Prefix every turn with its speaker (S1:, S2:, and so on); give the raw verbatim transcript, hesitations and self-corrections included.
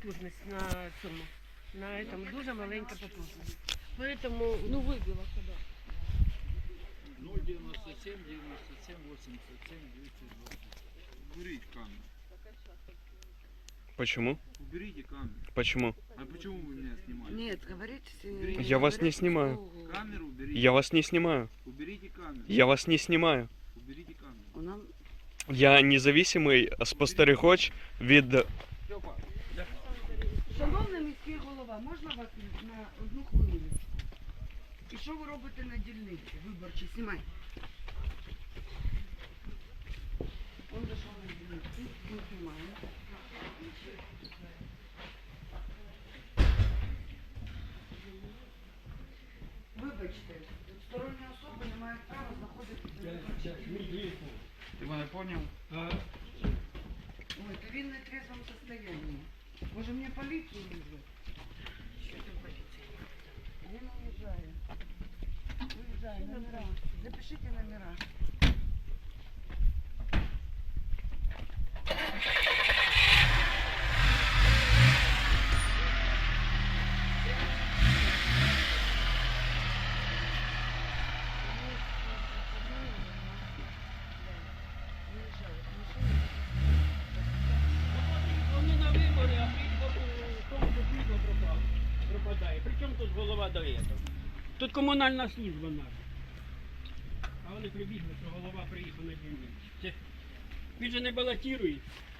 S1: потужність на цьому. На этом дуже маленька потужність. Поэтому, ну, вибила коли.
S2: ноль девяносто семь, девяносто семь, восемьдесят семь, двести двадцать. Уберите камеру.
S3: Почему?
S2: Уберите камеру.
S3: Почему?
S2: А почему вы меня снимаете?
S4: Нет, говорите.
S2: Уберите.
S3: Я вас не снимаю.
S2: Камеру уберите.
S3: Я вас не снимаю.
S2: Уберите камеру.
S3: Я вас не снимаю.
S2: Уберите камеру.
S4: У нам
S3: Я независимий спостерігач від...
S4: Шановний міський голова, можна вас на одну хвилину? І що ви робите на дільниці виборчій? Знімай. Он зайшов на дільниці, ми знімаємо. Вибачте, сторонні особи не мають права знаходитися на виборчій.
S2: Ты меня понял?
S4: Ой, ты в нетрезвом состоянии. Може мне полицию вызвать? Я не уезжаю. Уезжаю, номера. Запишите номера.
S5: Вони на вибори, а в тому світло пропадає. Причому тут голова до цього? Тут комунальна служба наша. А вони прибігли, що голова приїхав на дільницю. Це- Він же не балотує.